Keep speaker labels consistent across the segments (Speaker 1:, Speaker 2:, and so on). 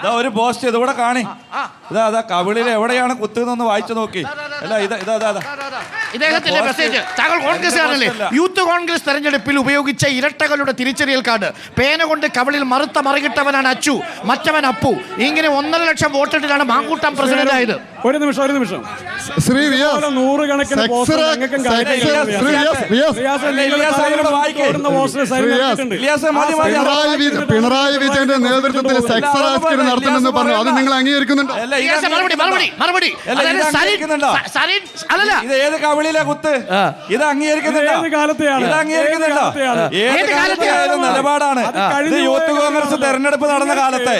Speaker 1: ഒരു പോസ്റ്റ് ഇതുകൂടെ കാണി. ഇതാ കവിളിൽ എവിടെയാണ് കുത്തുന്നൊന്ന് വായിച്ചു നോക്കി. അല്ല
Speaker 2: ഇദ്ദേഹത്തിന്റെ മെസ്സേജ്. താങ്കൾ കോൺഗ്രസ്സുകാരനല്ലേ? യൂത്ത് കോൺഗ്രസ് തെരഞ്ഞെടുപ്പിൽ ഉപയോഗിച്ച ഇരട്ടകളുടെ തിരിച്ചറിയൽ കാർഡ്. പേന കൊണ്ട് കവിളിൽ മറുത്ത മറികിട്ടവനാണ് അച്ചു, മറ്റവൻ അപ്പു. ഇങ്ങനെ 1.5 ലക്ഷം വോട്ടിട്ടാണ് മാങ്കൂട്ടം പ്രസിഡന്റ് ആയത്.
Speaker 3: ഒരു നിമിഷം ശ്രീ നൂറുകണക്കിന്
Speaker 4: പിണറായി വിജയന്റെ നേതൃത്വത്തിൽ സെക്സ് റാസ്കിൽ നടത്തുമെന്ന് പറഞ്ഞു. അത് നിങ്ങൾ അംഗീകരിക്കുന്നുണ്ടോ?
Speaker 1: ഇത് ഏത് കവിളിലെ കുത്ത്? ഇത് അംഗീകരിക്കുന്നുണ്ടോ? ഏത് കാലത്തെയായാലും നിലപാടാണ്. ഇത് യൂത്ത് കോൺഗ്രസ് തെരഞ്ഞെടുപ്പ് നടന്ന കാലത്തെ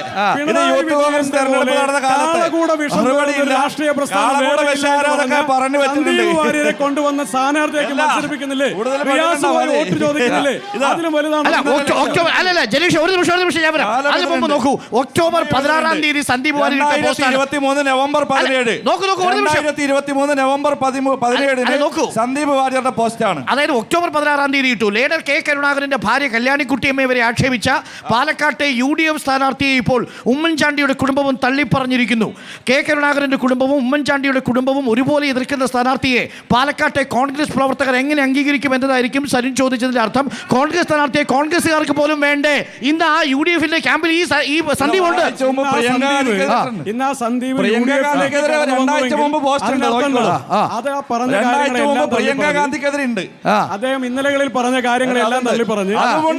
Speaker 3: രാഷ്ട്രീയ പ്രസ്ഥാനം കൊണ്ടുവന്ന സ്ഥാനാർത്ഥിയൊക്കെ മത്സരിപ്പിക്കുന്നില്ലേ? വോട്ട് ചോദിക്കുന്നില്ലേ? അതിലും വലുതാണ്.
Speaker 2: അതിന് മുമ്പ് നോക്കൂ, ഒക്ടോബർ 16-ാം തീയതി സന്ദീപ് വാര്യർ
Speaker 1: 2023 നവംബർ 17 സന്ദീപ് വാര്യരുടെ പോസ്റ്റാണ്.
Speaker 2: അതായത് ഒക്ടോബർ 16-ാം തീയതി ഇട്ടു. ലീഡർ കെ കരുണാകരന്റെ ഭാര്യ കല്യാണിക്കുട്ടിയമ്മ ഇവരെ ആക്ഷേപിച്ച പാലക്കാട്ടെ UDF സ്ഥാനാർത്ഥിയെ ഇപ്പോൾ ഉമ്മൻചാണ്ടിയുടെ കുടുംബവും തള്ളിപ്പറഞ്ഞിരിക്കുന്നു. കെ കരുണാകരന്റെ കുടുംബവും ഉമ്മൻചാണ്ടിയുടെ കുടുംബവും ഒരുപോലെ എതിർക്കുന്ന സ്ഥാനാർത്ഥിയെ പാലക്കാട്ടെ കോൺഗ്രസ് പ്രവർത്തകർ എങ്ങനെ അംഗീകരിക്കും എന്നതായിരിക്കും സരിൻ ചോദിച്ചതിന്റെ അർത്ഥം. കോൺഗ്രസ് സ്ഥാനാർത്ഥിയെ കോൺഗ്രസുകാർക്ക് പോലും വേണ്ടേ? ഇന്ന് ആ UDFന്റെ ക്യാമ്പിൽ ഈ സന്ദീപ് ഉണ്ട്.
Speaker 3: അദ്ദേഹം ഇന്നലകളിൽ പറഞ്ഞ കാര്യങ്ങളെല്ലാം തള്ളി പറഞ്ഞു.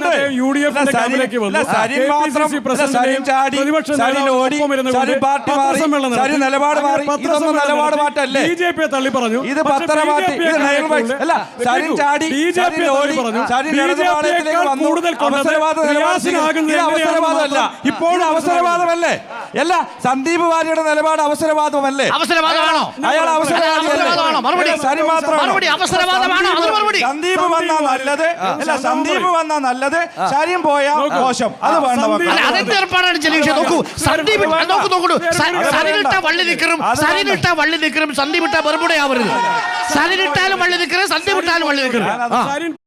Speaker 3: BJP തള്ളി പറഞ്ഞു.
Speaker 1: ഇപ്പോൾ അവസരവാദമല്ലേ? അല്ല, സന്ദീപ് വാര്യരുടെ നിലപാട് അവസരവാദമല്ലേ? അയാൾ സന്ദീപ് വന്നാ നല്ലത്, അല്ല സന്ദീപ് വന്നാ നല്ലത്, ശരിയും പോയാ മോശം. അത് വേണ്ട.
Speaker 2: വള്ളി നിൽക്കറും സന്ദീപ് ഇട്ട ബർബുടയാവരുത്. സരിനിട്ടാലും വള്ളി നിൽക്കരുത്, സന്ദീപ് ഇട്ടാലും വള്ളി നിൽക്കരുത്.